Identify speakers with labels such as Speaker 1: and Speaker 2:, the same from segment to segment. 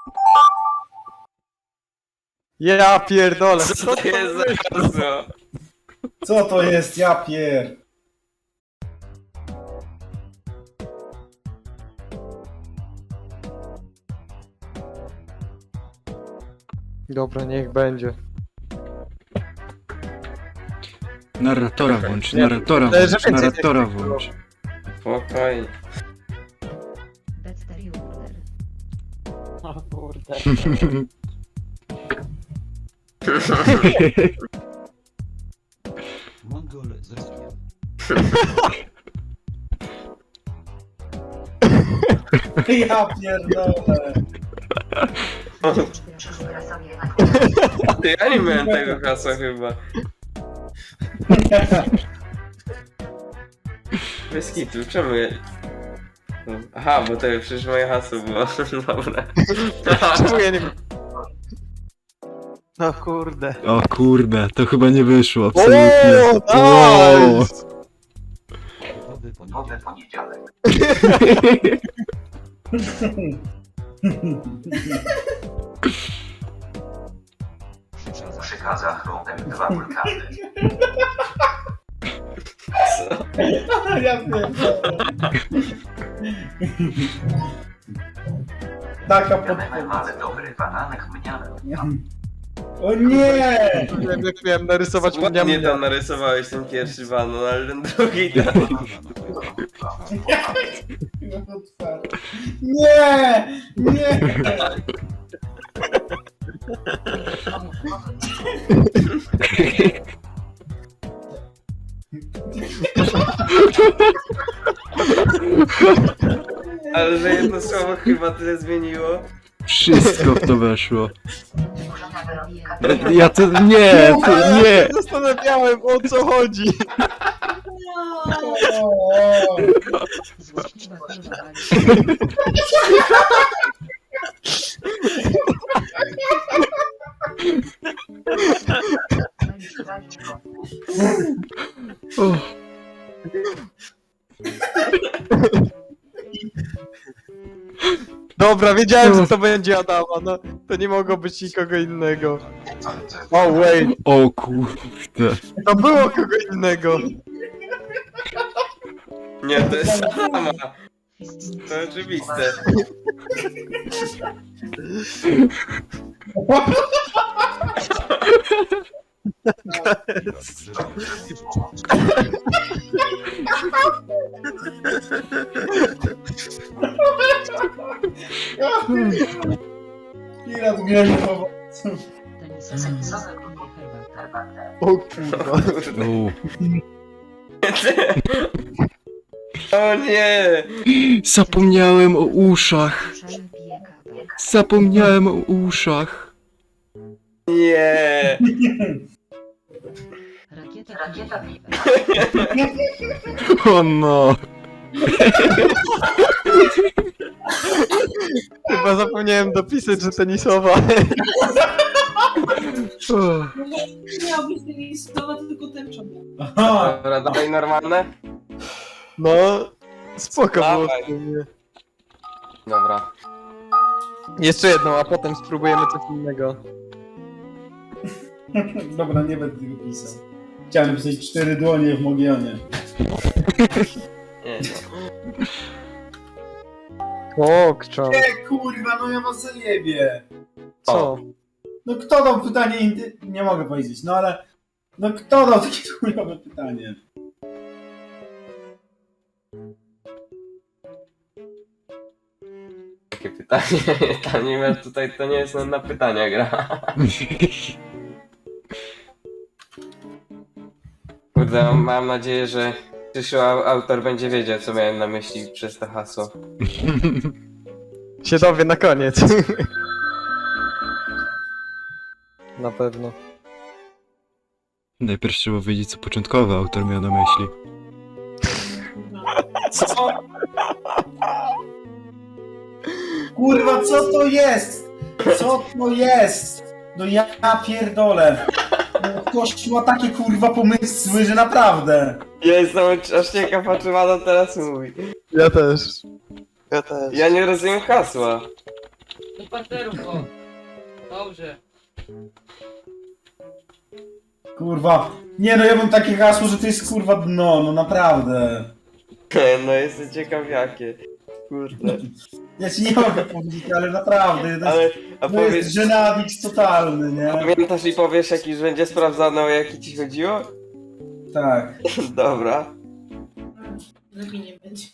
Speaker 1: Ja pierdolę.
Speaker 2: Co to jest za hasło?
Speaker 3: Co to jest, ja pier...
Speaker 1: Dobra, niech będzie.
Speaker 4: Narratora włącz,
Speaker 1: Nie,
Speaker 4: narratora
Speaker 1: ale że
Speaker 4: włącz,
Speaker 1: więcej
Speaker 4: narratora
Speaker 1: tekstu
Speaker 4: włącz.
Speaker 2: Spokojnie.
Speaker 5: Dexter Order.
Speaker 6: O kurde.
Speaker 7: Mongol z Rosją.
Speaker 3: Ja pierdolę.
Speaker 2: Ty, ja nie miałem tego hasła chyba. Bez kitu, czemu ja... Aha, bo to przecież moje hasło było. Dobra.
Speaker 1: Czemu ja nie wiem? No kurde.
Speaker 4: O kurde, to chyba nie wyszło, absolutnie.
Speaker 1: O, nice!
Speaker 7: Nowy poniedziałek. Przykazał chromem 2 wulkany.
Speaker 3: Ja pierdolę. Taka
Speaker 7: Wiadomym,
Speaker 3: podpowiedź.
Speaker 7: ale dobry bananek mniany.
Speaker 3: O nie!
Speaker 1: Nie wiem jak miałem narysować
Speaker 2: Ładnie
Speaker 1: mnie.
Speaker 2: tam narysowałeś ten pierwszy banan, ale ten drugi tam...
Speaker 3: Nie! Nie!
Speaker 2: Ale że jedno słowo chyba tyle zmieniło.
Speaker 4: Wszystko w to weszło. Ja to nie, to nie.
Speaker 1: Zastanawiałem o co chodzi.
Speaker 3: O,
Speaker 5: Złośliwa kurwa.
Speaker 4: O,
Speaker 1: Dobra, wiedziałem, że to będzie Adama, no. To nie mogło być nikogo innego. Oh wait,
Speaker 4: o kurde.
Speaker 1: to było kogo innego.
Speaker 2: Nie, to jest sama. To oczywiste.
Speaker 3: Pirat gniewu po
Speaker 5: Tenisowy herbatę.
Speaker 1: O kurwa.
Speaker 4: O.
Speaker 2: O nie!
Speaker 4: Zapomniałem o uszach.
Speaker 5: Ruszamy pije kawę.
Speaker 4: Zapomniałem o uszach.
Speaker 2: Nie!
Speaker 5: Rakieta piwa.
Speaker 4: O no.
Speaker 1: Chyba zapomniałem dopisać, że tenisowa.
Speaker 4: O.
Speaker 8: Nie miał być tenisowa, tylko tęczowa.
Speaker 3: Aha!
Speaker 2: Dobra, dawaj normalne?
Speaker 1: No, spoko było
Speaker 2: Dawaj.
Speaker 1: w sumie.
Speaker 2: Dobra.
Speaker 1: Jeszcze jedną, a potem spróbujemy coś innego.
Speaker 3: Dobra, nie będę tego pisał. Chciałem napisać 4 dłonie w Mogionie.
Speaker 2: Nie,
Speaker 1: Pokczam.
Speaker 3: Kurwa, no ja was zajebie.
Speaker 1: Co?
Speaker 3: No kto dał pytanie nie mogę powiedzieć, no ale... No kto dał takie chujowe pytanie?
Speaker 2: takie pytanie. To nie ma tutaj, to nie jest na pytania gra. Kurde, mam nadzieję, że przyszły autor będzie wiedział, co miałem na myśli przez to hasło.
Speaker 1: Się dowie na koniec. Na pewno.
Speaker 4: Najpierw trzeba wiedzieć, co początkowy autor miał na myśli.
Speaker 2: Co?
Speaker 3: Kurwa, co to jest? Co to jest? No ja pierdolę. No ktoś ma takie kurwa pomysły, że naprawdę.
Speaker 2: Ja jestem aż ciekaw, o czym Adam teraz mówi.
Speaker 1: Ja też. Ja też.
Speaker 2: Ja nie rozumiem hasła.
Speaker 6: Do parterów, o. Dobrze.
Speaker 3: Kurwa. Nie no, ja mam takie hasło, że to jest kurwa dno, no naprawdę.
Speaker 2: No jestem ciekaw jakie. Kurde.
Speaker 3: Ja ci nie mogę powiedzieć, ale naprawdę, to
Speaker 2: Ale,
Speaker 3: jest,
Speaker 2: a
Speaker 3: to jest
Speaker 2: powiedz,
Speaker 3: żenadix totalny, nie?
Speaker 2: pamiętasz i powiesz jak już będzie sprawdzane o jaki ci chodziło?
Speaker 3: Tak.
Speaker 2: Dobra.
Speaker 8: Lepiej nie będzie.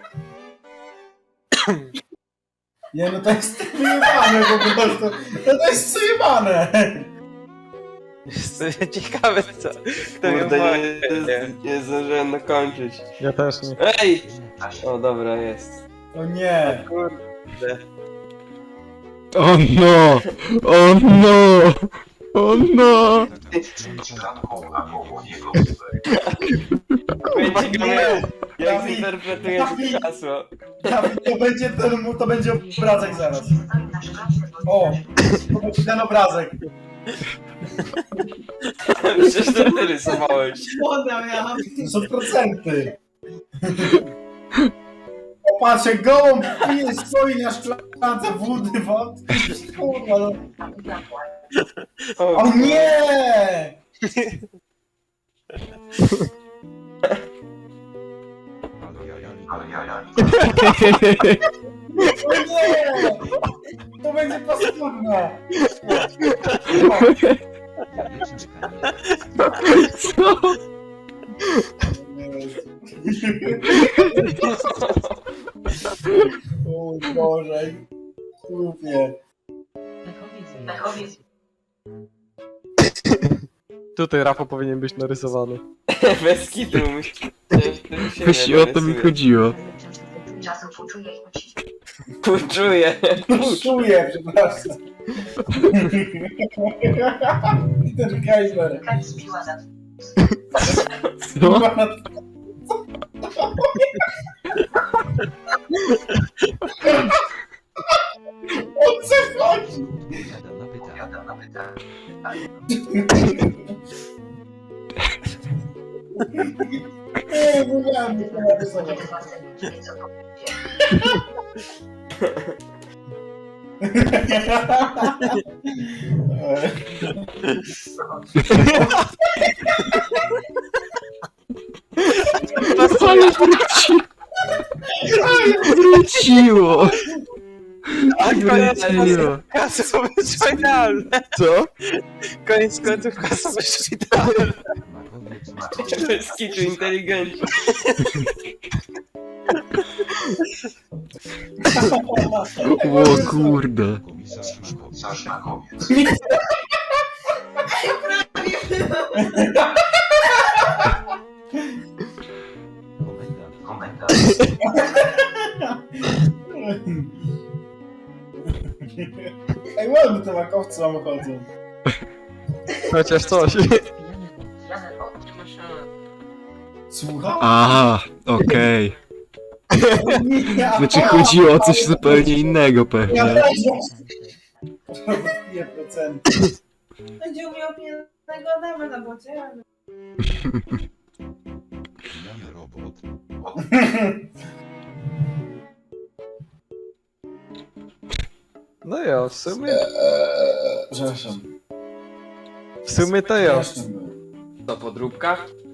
Speaker 3: Nie no, to jest wyjebane po prostu. No to jest wyjebane.
Speaker 1: Jestem ciekawy co.
Speaker 2: Kurde, nie zdążyłem dokończyć.
Speaker 1: Ja też nie.
Speaker 2: Ej! O dobra, jest.
Speaker 3: O nie.
Speaker 2: Kurde.
Speaker 4: O no! O no! O no!
Speaker 7: Szklanką albo jego łóżek.
Speaker 2: Kurwa, jak
Speaker 3: Dawid,
Speaker 2: zinterpretujesz
Speaker 3: Dawid.
Speaker 2: hasło?
Speaker 3: To będzie obrazek zaraz. O, to będzie ten obrazek.
Speaker 2: Przecież to ty rysowałeś.
Speaker 8: Woda miałam.
Speaker 3: To są procenty. O, patrz, jak gołąb pije, stoi na szklance wody, wody. Kurwa, no. O nie!
Speaker 7: Ale jaja.
Speaker 3: O nie! To będzie paskudne.
Speaker 4: Co?
Speaker 3: O Boże. Głupie.
Speaker 5: Pechowiec
Speaker 1: Tutaj Rafał powinien być narysowany.
Speaker 2: Bez kitu
Speaker 4: Właśnie o to mi chodziło.
Speaker 5: czasu poczuje i musi.
Speaker 2: Czuję.
Speaker 3: Czuję, przepraszam. Peter Kaiser.
Speaker 5: Kać piła za
Speaker 4: Co?
Speaker 3: O co chodzi?
Speaker 7: Odpowiada na pytanie.
Speaker 3: Nie, mówiłem, że to narysować.
Speaker 5: co
Speaker 4: Ale wróciło! Wróciło!
Speaker 1: A koniec
Speaker 4: Wróciło!
Speaker 1: hasło jest finalne. Co? Koniec końców hasło jest finalne.
Speaker 2: Bez kitu inteligencji.
Speaker 4: O kurde!
Speaker 7: Komisarz Makowiec. Komendant.
Speaker 3: Ej, ładnie te makowce nam chodzą.
Speaker 1: Chociaż coś.
Speaker 3: Słucham?
Speaker 4: Aha, okej.
Speaker 3: Nie,
Speaker 4: Znaczy chodziło o coś zupełnie innego
Speaker 3: Ja
Speaker 4: pewnie.
Speaker 3: też. 2%.
Speaker 8: Będzie umiał pięknego Adama na bocie, ale...
Speaker 7: Robot.
Speaker 1: No ja, w sumie.
Speaker 3: Przepraszam.
Speaker 1: W sumie to ja.
Speaker 3: Śmieszne było.
Speaker 2: To podróbka?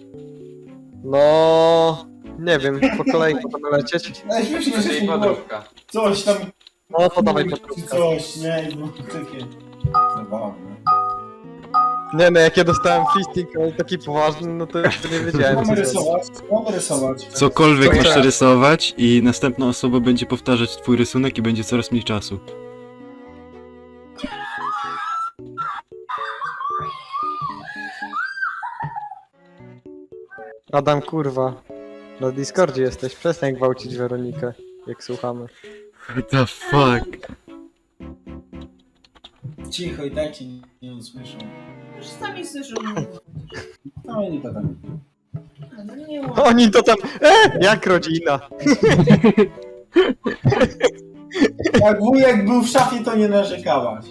Speaker 1: No. Nie wiem, po kolei możemy lecieć.
Speaker 3: Ale śmiesznie, że
Speaker 2: Czyli
Speaker 3: się było
Speaker 2: podróbka.
Speaker 3: coś tam.
Speaker 1: No to dawaj
Speaker 3: czy
Speaker 1: podróbkę.
Speaker 3: coś, nie? I było takie zabawne.
Speaker 1: Nie no, jak ja dostałem fisting, ale taki poważny, no to nie wiedziałem co
Speaker 3: Mamy
Speaker 1: to
Speaker 3: rysować? Mamy rysować.
Speaker 4: Cokolwiek
Speaker 1: To
Speaker 4: masz
Speaker 1: teraz.
Speaker 4: rysować i następna osoba będzie powtarzać twój rysunek i będzie coraz mniej czasu.
Speaker 1: Adam, kurwa. Na Discordzie jesteś, przestań gwałcić Weronikę, jak słuchamy.
Speaker 4: What the fuck?
Speaker 3: Cicho i tak cię nie usłyszą.
Speaker 8: Już sami słyszą.
Speaker 3: No i to tam.
Speaker 8: No nie ma.
Speaker 1: Oni to tam, jak rodzina.
Speaker 3: Jak wujek był w szafie, to nie narzekałaś.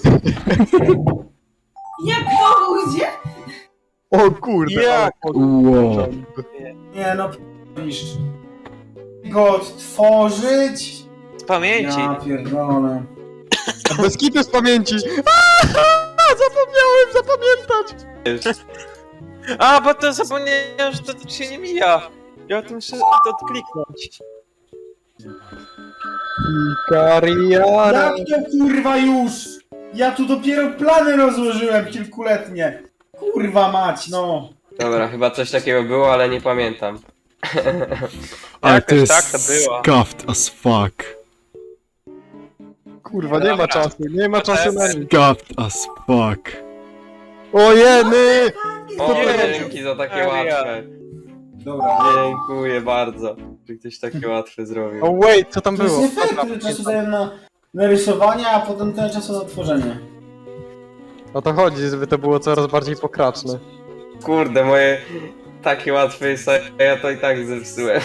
Speaker 8: Jak to gdzie?
Speaker 1: O kurde.
Speaker 2: Jak?
Speaker 4: Wow.
Speaker 3: Nie no, pisz. Go odtworzyć?
Speaker 9: Z pamięci.
Speaker 3: Ja pierdolę.
Speaker 1: Bez kitu z pamięci! Zapomniałem zapamiętać!
Speaker 9: A, bo to zapomniałem, że to się nie mija. Ja o tym muszę to odkliknąć.
Speaker 1: Kariara!
Speaker 3: Jak to kurwa już? Ja tu dopiero plany rozłożyłem kilkuletnie. Kurwa mać, no.
Speaker 2: Dobra, chyba coś takiego było, ale nie pamiętam.
Speaker 4: Ale to
Speaker 9: Jakoś
Speaker 4: jest
Speaker 9: tak to było.
Speaker 4: scuffed as fuck.
Speaker 1: Kurwa, nie ma czasu, nie ma czasu na nic.
Speaker 4: Scuffed as fuck.
Speaker 1: O jeny!
Speaker 2: O,
Speaker 9: Nie.
Speaker 2: dzięki za takie
Speaker 9: Serio.
Speaker 2: łatwe.
Speaker 3: Dobra.
Speaker 2: Dziękuję bardzo, że ktoś takie łatwe zrobił.
Speaker 1: O wait, co tam
Speaker 3: To jest
Speaker 1: było?
Speaker 3: nie fair, tyle czasu daję na rysowanie, a potem tyle czasu na tworzenie.
Speaker 1: O to chodzi, żeby to było coraz bardziej pokraczne.
Speaker 2: Kurde, moje takie łatwe jest, a ja to i tak zepsułem.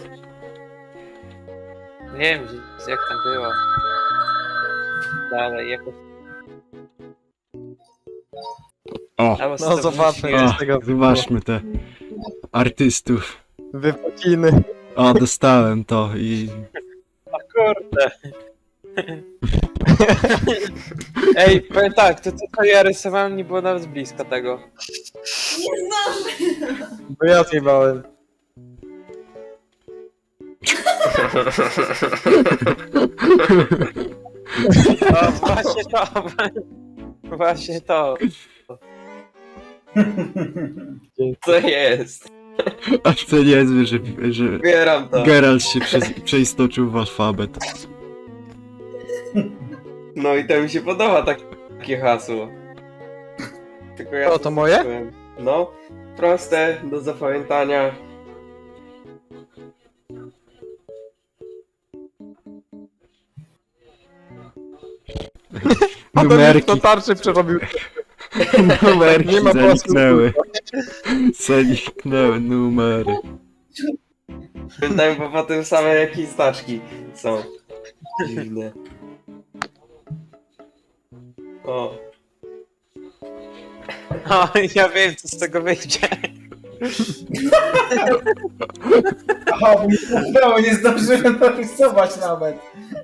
Speaker 9: Nie wiem, jak tam było. Dalej, jakoś...
Speaker 4: O,
Speaker 9: Albo
Speaker 1: No zobaczmy,
Speaker 9: sobie-
Speaker 1: co z tego
Speaker 4: zobaczmy te artystów.
Speaker 1: wypociny.
Speaker 4: O, dostałem to i...
Speaker 9: Kurde. Ej, powiem tak, to co ja rysowałem nie było nawet blisko tego.
Speaker 8: Nie zdążę.
Speaker 1: Bo ja zjebałem.
Speaker 9: O, właśnie to. Właśnie to.
Speaker 2: Co jest?
Speaker 4: A to niezłe, że
Speaker 2: Zbieram to.
Speaker 4: Geralt się przeistoczył w alfabet.
Speaker 2: No i to mi się podoba takie hasło. Tylko ja
Speaker 1: O, to moje?
Speaker 2: zepsułem. No, proste, do zapamiętania.
Speaker 1: A ten
Speaker 4: Numerki,
Speaker 1: to tarczy przerobił.
Speaker 4: numerki
Speaker 1: Nie ma
Speaker 4: zaniknęły. Zaniknęły numery.
Speaker 2: Pamiętam, bo potem same jakieś znaczki są. Dziwne. O,
Speaker 9: O, ja wiem, co z tego wyjdzie.
Speaker 3: Aha, bo mi to nie zdążyłem narysować nawet.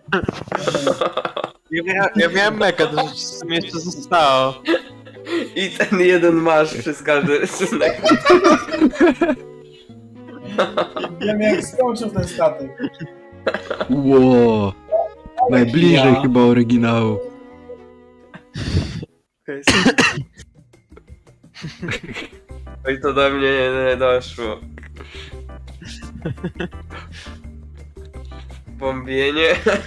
Speaker 9: Ja miałem mega, to rzeczywiście mi jeszcze zostało.
Speaker 2: i ten jeden masz przez każdy rysunek.
Speaker 3: Wiem jak skończył ten statek.
Speaker 4: Ło, najbliżej
Speaker 3: Ja.
Speaker 4: chyba oryginału.
Speaker 2: Oj, to do mnie nie doszło. Bombienie.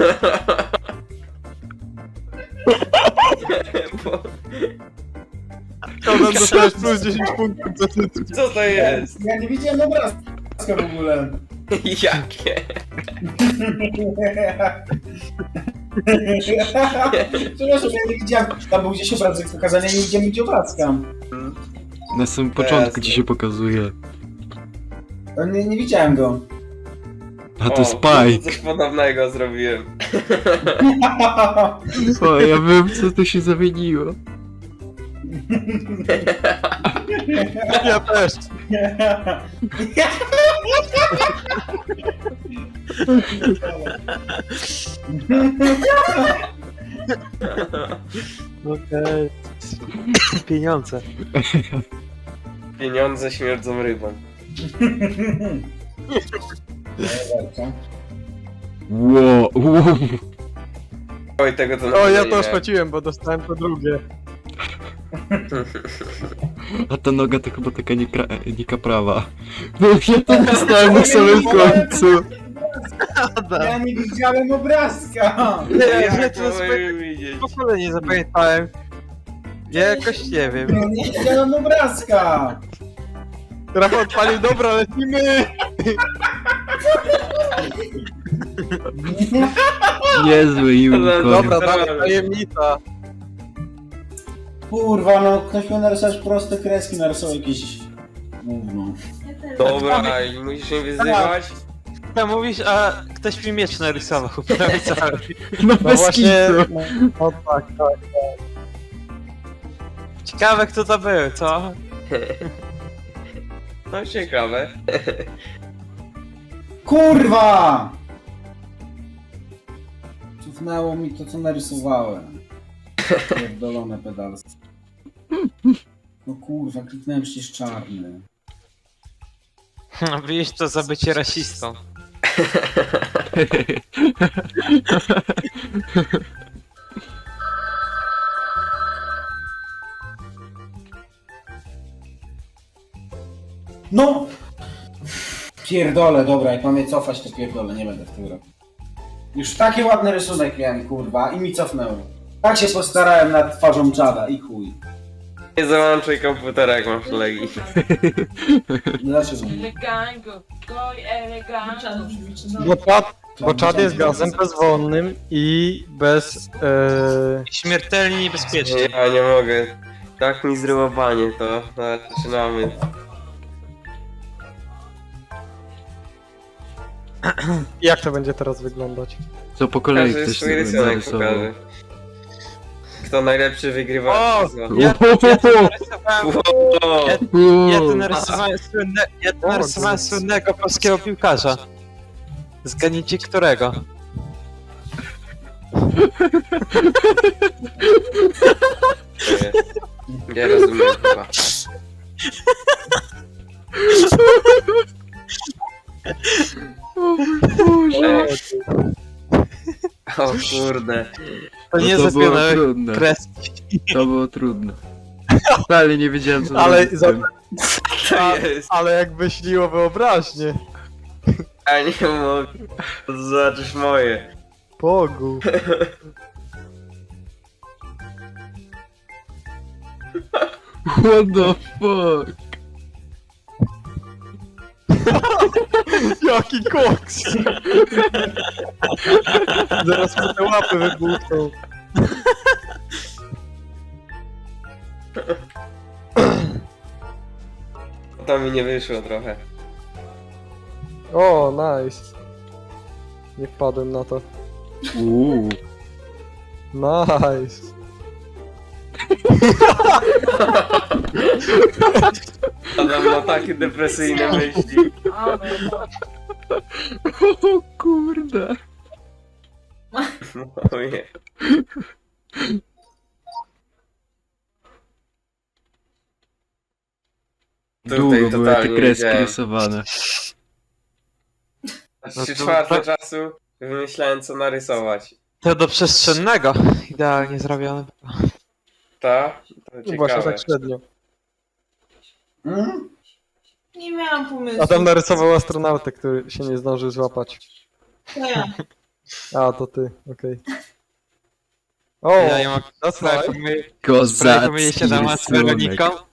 Speaker 2: Bo-
Speaker 1: Konan dostałeś plus 10 punktów za tytuł.
Speaker 2: Co to jest?
Speaker 3: Ja nie widziałem obrazka w ogóle.
Speaker 2: Jakie?
Speaker 3: Przepraszam, ja nie widziałem. Tam był gdzieś obrazek pokazany, ja nie widziałem nigdzie obrazka.
Speaker 4: Na samym początku
Speaker 2: Jasne.
Speaker 4: ci się pokazuje.
Speaker 3: Nie widziałem go.
Speaker 4: A to
Speaker 2: O,
Speaker 4: Spike.
Speaker 2: Coś podobnego zrobiłem.
Speaker 4: O, ja wiem co tu się zamieniło.
Speaker 1: Ja też.
Speaker 9: Okej. Pieniądze.
Speaker 2: Pieniądze śmierdzą rybą.
Speaker 4: Ło, ło.
Speaker 2: Oj, tego to
Speaker 1: O,
Speaker 2: naprawdę
Speaker 1: ja
Speaker 2: nie
Speaker 1: to
Speaker 2: miałem.
Speaker 1: szpeciłem, bo dostałem to drugie.
Speaker 4: A ta noga to chyba taka nika prawa. No ja to dostałem na samym końcu.
Speaker 3: Ja nie widziałem obrazka.
Speaker 1: Ja
Speaker 2: Jak
Speaker 1: to
Speaker 2: mogłem widzieć?
Speaker 1: w ogóle nie zapamiętałem. Ja jakoś nie wiem.
Speaker 3: Ja nie widziałem obrazka.
Speaker 1: Rafał odpalił, dobra, lecimy!
Speaker 4: Niezły unicorn.
Speaker 1: Dobra, dalej, tajemnica.
Speaker 3: Kurwa, no ktoś miał narysować proste kreski, narysował jakieś... Gówno.
Speaker 8: Ja też.
Speaker 2: Dobra, i musisz mnie wyzywać?
Speaker 9: Tam mówisz, a ktoś mi miecz narysował. Prawie cały.
Speaker 4: No
Speaker 1: No
Speaker 4: bez
Speaker 1: właśnie,
Speaker 4: kitu.
Speaker 1: no tak, tak.
Speaker 9: Ciekawe kto to był, co?
Speaker 2: No ciekawe.
Speaker 3: Kurwa! Co Cofnęło mi to, co narysowałem. Pierdolone pedalstwo. No kurwa, kliknąłem przecież czarny.
Speaker 9: Widzisz to za bycie rasistą.
Speaker 3: No! Pierdolę, dobra, jak mam je cofać, to pierdolę, nie będę w tym robił. Już taki ładny rysunek miałem, kurwa, i mi cofnęło. Tak się postarałem nad twarzą czada i chuj.
Speaker 2: Nie załączaj komputera, jak masz legi.
Speaker 3: Dlaczego?
Speaker 6: Elegango, goj elegango.
Speaker 1: Bo czad jest gazem bezwonnym i bez...
Speaker 9: Śmiertelnie niebezpiecznie.
Speaker 2: Ja nie mogę. Tak mi zryłowanie to. No, zaczynamy.
Speaker 1: Jak to będzie teraz wyglądać?
Speaker 4: Co po kolei
Speaker 2: Każdy
Speaker 4: ktoś
Speaker 2: swój rysunek
Speaker 4: narysował.
Speaker 2: pokaże. Kto najlepszy wygrywa.
Speaker 9: O!
Speaker 2: Wow.
Speaker 9: Ja to
Speaker 2: Wow.
Speaker 9: narysowałem słynnego polskiego piłkarza. Zgadnijcie którego.
Speaker 2: Nie rozumiem chyba. Ej. O kurde.
Speaker 9: To nie
Speaker 4: No to było
Speaker 9: zapione
Speaker 4: trudne.
Speaker 9: kreski.
Speaker 4: To było trudne. Wcale nie wiedziałem co
Speaker 1: Ale
Speaker 4: zrobić z tym.
Speaker 2: To jest.
Speaker 1: Ale jak myśliło wyobraźnię.
Speaker 2: A nie mogę. To zobaczysz moje.
Speaker 1: Bogu.
Speaker 4: What the fuck?
Speaker 1: Jaki koks! Zaraz mu te łapy wybuchną.
Speaker 2: To mi nie wyszło trochę.
Speaker 1: O, nice. Nie wpadłem na to. Nice.
Speaker 2: Adam ma takie depresyjne myśli.
Speaker 4: O kurde.
Speaker 2: Ojej.
Speaker 4: Długo były te
Speaker 2: totalnie
Speaker 4: kreski
Speaker 2: wiedziałem.
Speaker 4: rysowane.
Speaker 9: No
Speaker 2: 3/4 czasu wymyślałem co narysować.
Speaker 9: To do przestrzennego. Idealnie zrobione.
Speaker 2: Ta? To
Speaker 1: No właśnie
Speaker 2: ciekawe.
Speaker 1: tak średnio.
Speaker 3: Hmm?
Speaker 8: Nie miałam pomysłu.
Speaker 1: Adam narysował astronautę, który się nie zdążył złapać.
Speaker 8: To ja.
Speaker 1: A, to ty, okej. O,
Speaker 9: Ja nie mogę
Speaker 1: that's nice.
Speaker 9: Spróbuję się
Speaker 4: Kozacki
Speaker 9: na z Weroniką.
Speaker 4: rysunek.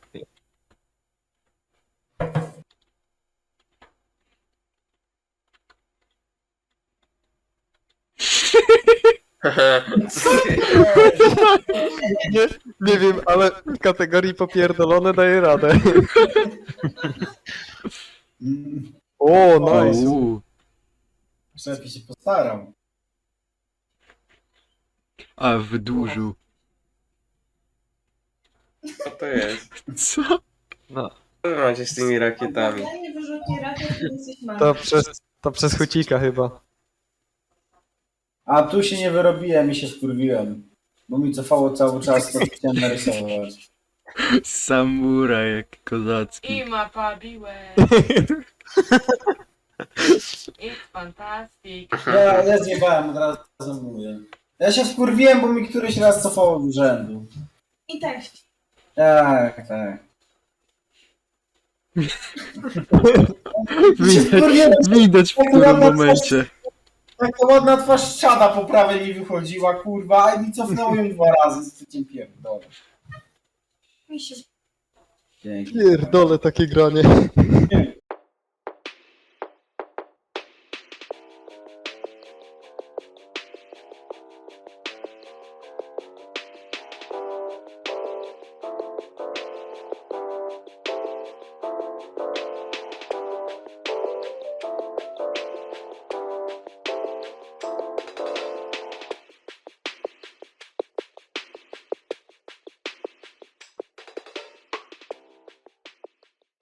Speaker 1: Nie wiem, ale w kategorii popierdolone daje radę.
Speaker 3: Mm,
Speaker 1: O, nice.
Speaker 3: Szefie się postarał.
Speaker 4: A, wydłużył.
Speaker 2: Co to jest?
Speaker 4: Co?
Speaker 9: No.
Speaker 2: Co wy macie z tymi rakietami?
Speaker 8: Ja nie wyrzucił rakiet, to jesteś martwy.
Speaker 1: To przez chucika chyba.
Speaker 3: A tu się nie wyrobiłem i się wkurwiłem. Bo mi cofało cały czas, to chciałem narysować.
Speaker 4: Samuraj, jak kozacki.
Speaker 6: I ma pabiłę. It's fantastic.
Speaker 3: Ja zjebałem, od razu mówię. Ja się wkurwiłem, bo mi któryś raz cofało z urzędu.
Speaker 8: I tak.
Speaker 3: Tak, tak.
Speaker 4: Widać w którym momencie.
Speaker 3: Taka ładna twarz czada po prawej mi wychodziła, kurwa, i mi cofnęło ją 2 razy z tym pierdolem.
Speaker 8: Mi się
Speaker 3: Dzięki.
Speaker 1: Pierdolę takie granie.